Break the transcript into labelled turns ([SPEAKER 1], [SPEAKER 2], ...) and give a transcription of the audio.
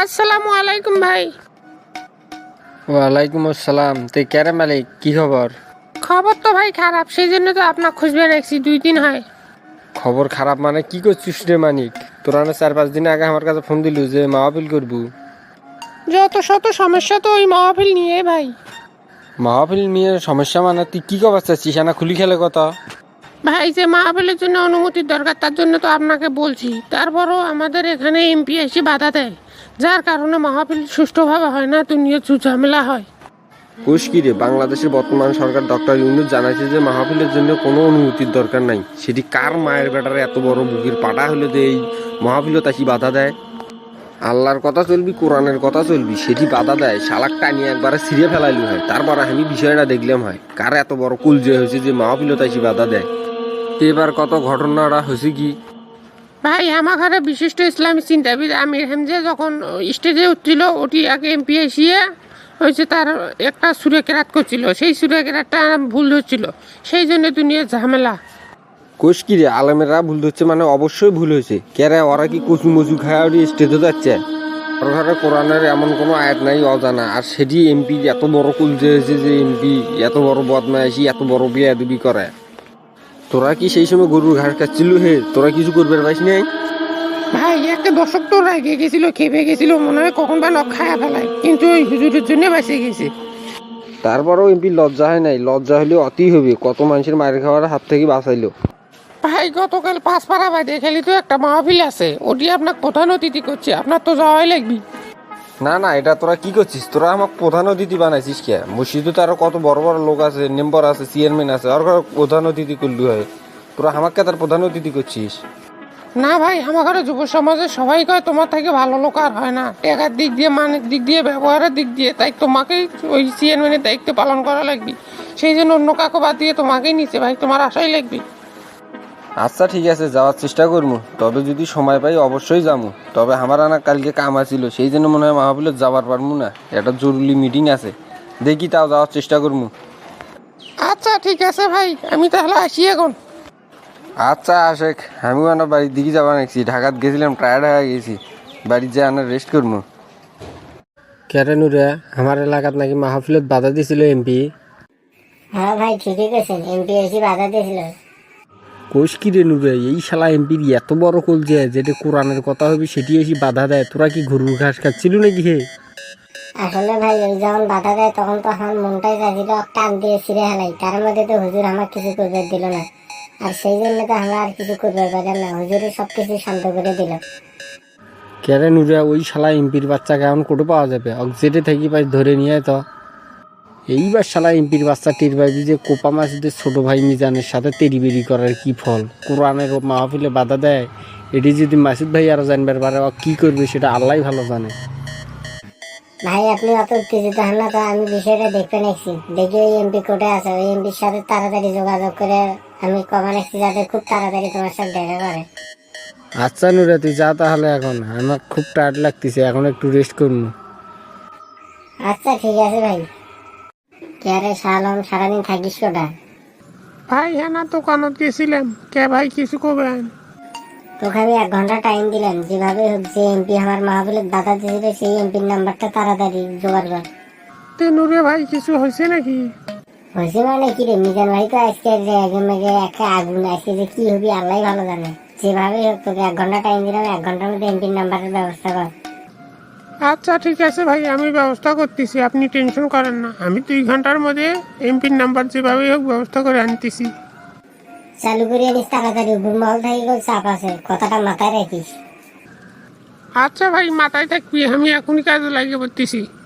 [SPEAKER 1] আসসালামু আলাইকুম ভাই।
[SPEAKER 2] ওয়ালাইকুম আসসালাম। তে ক্যারে মালিক, কি খবর?
[SPEAKER 1] খবর তো ভাই খারাপ, সেই জন্য তো আপনার খুঁজবে রাখছি, 2 দিন হয়।
[SPEAKER 2] খবর খারাপ মানে কি করছিস রে মানিক? তোরা না 4-5 দিন আগে আমার কাছে ফোন দিলু যে মাহফিল করবু।
[SPEAKER 1] যত শত সমস্যা তো ওই মাহফিল নিয়ে ভাই।
[SPEAKER 2] মাহফিল নিয়ে সমস্যা মানে তুই কি খবর চাচ্ছিস? না খুলি খেলে কথা।
[SPEAKER 1] ভাই যে মাহফিলের জন্য অনুমতির দরকার, তার জন্য তো আপনাকে বলছি। তারপরও আমাদের এখানে এমপি এসে বাধা দেয়, যার কারণে মাহফিল সুষ্ঠুভাবে হয় না, দুনিয়া ঝামেলা হয়।
[SPEAKER 2] কোষ কি রে, বাংলাদেশের বর্তমান সরকার ডক্টর ইউনূস জানাইছে যে মাহফিলের জন্য কোনো অনুমতির দরকার নাই। সেটি কার মায়ের বেটারে এত বড় বুকের পাটা হলে যে এই মাহফিলও তাকি বাধা দেয়? আল্লাহর কথা চলবি, কোরআনের কথা চলবি, সেটি বাধা দেয়। শালাক টানিয়ে একবারে ছিঁড়ে ফেলাইলু হয়। তারপর আমি বিষয়টা দেখলাম হয় কার এত বড় কুল যে হয়েছে যে মাহফিলও তাকি বাধা দেয়। এবার কত ঘটনাটা হয়েছে কি
[SPEAKER 1] ভাই আমার ঘরে বিশিষ্ট ইসলামী চিন্তাবিদ আমির হামজা যখন স্টেজে উঠছিল, ওটি আগে এমপি এসিয়ে হয়েছে তার একটা সুরে কেরাত করছিল, সেই সুরে কেরাতটা ভুল হচ্ছিল, সেই জন্য দুনিয়া ঝামেলা।
[SPEAKER 2] কোষ কি রে, আলেমেরা ভুল ধরছে মানে অবশ্যই ভুল হয়েছে। কেরে ওরা কি কচু মচু খায় ওটি স্টেজে যাচ্ছে? ওর ঘরে কোরআনের এমন কোনো আয়াত নাই অজানা, আর সেটি এমপি এত বড় কুল যে হয়েছে যে এমপি এত বড় বদমাইশি এত বড় বেয়াদবি করে। তোরা কি সেই সময় গরুর ঘাস খাচ্ছিল? হে, তোরা কিছু করবে পাইস নাই?
[SPEAKER 1] ভাই একটা দর্শক তো রেগে গেছিল, খেপে গেছিল, মনে হয় কখন বা নখ খায়া ফেলায়, কিন্তু ওই হুজুরের জন্য বেঁচে গেছে।
[SPEAKER 2] তারপরেও এমপি লজ্জা হয় নাই? লজ্জা হলেও অতি হবে, কত মানুষের মায়ের খাওয়ার হাত থেকে বাঁচাইলো।
[SPEAKER 1] ভাই গতকাল পাঁচপাড়া বাইরে খেলি তো একটা মাহফিল আছে, ওটি আপনার প্রধান অতিথি করছে, আপনার তো যাওয়াই লাগবে।
[SPEAKER 2] না না, এটা তোরা কি করছিস? তোরা আমাকে প্রধান অতিথি বানাইছিস কে? মসজিদে তো আরো কত বড় বড় লোক আছে, মেম্বার আছে, চেয়ারম্যান আছে, আর প্রধান অতিথি করলি হয়? তোরা আমাকে তার প্রধান অতিথি করছিস?
[SPEAKER 1] না ভাই, আমার ঘরে যুব সমাজের সবাই কয় তোমার থেকে ভালো লোক আর হয় না, টাকার দিক দিয়ে, মানের দিক দিয়ে, ব্যবহারের দিক দিয়ে, তাই তোমাকেই ওই চেয়ারম্যানের দায়িত্ব পালন করা লাগবে। সেই জন্য অন্য কাকু বাদ দিয়ে তোমাকেই নিচে, ভাই তোমার আশাই লাগবে।
[SPEAKER 2] আচ্ছা ঠিক আছে, যাওয়ার চেষ্টা করবো। তবে যদি সময় পাই অবশ্যই যাবো। তবে আমার আনা কালকে কাম আছিল, সেই জন্য মনে হয় মাহফিলত যাবার পারবো না। একটা জরুরি মিটিং আছে, দেখি তাও যাওয়ার চেষ্টা করবো।
[SPEAKER 1] আচ্ছা ঠিক আছে ভাই, আমি তাহলে আসি এখন।
[SPEAKER 2] আচ্ছা আশেক, আমিও আনা বাড়ির দিকে যাবা নাকি? ঢাকাত গেছিলাম, টায়ার্ড হয়ে গেছি, বাড়ির যাই আনা রেস্ট করবো। কেরে নুরে, আমার এলাকাত নাকি মাহফিলত বাধা দিছিল এমপি?
[SPEAKER 3] হ্যাঁ ভাই, ঠিকই কইছেন, এমপি এসে বাধা দিয়েছিল।
[SPEAKER 2] কোষ কি রে নুরে, এই শালা এমপির এত বড় কল যে যেটা কোরআনের কথা হবে সেটি এসে বাধা দেয়? তোরা কি গরুর ঘাস খাচ্ছিল নাকি? হে,
[SPEAKER 3] আসলে ভাই ওই যখন বাধা দেয় তখন তো আমার মনটাই চাইছিল টান দিয়ে ছিঁড়ে হেলাই, তার মধ্যে তো হুজুর আমার কিছু করবে দিল না, আর সেই জন্য তো আমরা আর কিছু করবে পারলাম না, হুজুরে সবকিছু শান্ত করে দিল।
[SPEAKER 2] কেরে নুরে, ওই শালা এমপির বাচ্চা কেমন কোটো পাওয়া যাবে? যেটে থাকি পাই ধরে নিয়ে তো। এইবার শালা এমপির বাচ্চা টের পাইবি যে কোপা মাসুদের ছোট ভাই মিজানের সাথে তেড়িবেড়ি করার কি ফল। কোরআনের মাহফিলে বাধা দেয়, এটি যদি মাসুদ ভাই আরো জানবার পারে কি করবে সেটা আল্লাহ ভালো জানে।
[SPEAKER 3] ভাই আপনি অত উত্তেজিত হন না তো, আমি বিষয়টা দেখতে নিচ্ছি, দেখি ওই এমপি কোর্টে আছে, ওই এমপির সাথে তাড়াতাড়ি যোগাযোগ করে আমি কমা নিচ্ছি যাতে খুব তাড়াতাড়ি তোমার সাথে দেখা করে।
[SPEAKER 2] আচ্ছা নুরে, তুই যা তাহলে, এখন আমার খুব টায়ার্ড লাগতেছে, এখন একটু রেস্ট করবো।
[SPEAKER 3] আচ্ছা ঠিক আছে ভাই। কে আরে শালম, সারাদিন থাকিস কোটা?
[SPEAKER 1] ভাই হ্যাঁ না, দোকানত গেছিলাম। কে ভাই কিছু করবেন?
[SPEAKER 3] তোকে আমি 1 ঘন্টা টাইম দিলাম, যেভাবে হোক যে এমপি আমার মাহফিলে বাধা দিয়েছিল সেই এমপির নাম্বারটা তাড়াতাড়ি জোগাড় কর।
[SPEAKER 1] তে নুরে ভাই কিছু হয়েছে নাকি?
[SPEAKER 3] হয়েছে মানে কি রে, মিজান ভাই তো আজকে একটা আগুন, আজকে যে কি হবি আল্লাহ ভালো জানে। যেভাবে হোক তোকে 1 ঘন্টা টাইম দিলাম, 1 ঘন্টার মধ্যে এমপির নাম্বারের ব্যবস্থা কর।
[SPEAKER 1] আচ্ছা ঠিক আছে ভাই, আমি ব্যবস্থা করতেছি, আপনি টেনশন করেন না, আমি 2 ঘন্টার মধ্যে এমপির নাম্বার যেভাবেই হোক ব্যবস্থা করে আনতেছি।
[SPEAKER 3] চালু করে আনিস তাড়াতাড়ি, উপর মহল থাকি চাপ আছে, কথাটা মাথায় রাখিস।
[SPEAKER 1] আচ্ছা ভাই, মাথায় থাকবি, আমি এখনই কাজে লাগিয়ে পড়তেছি।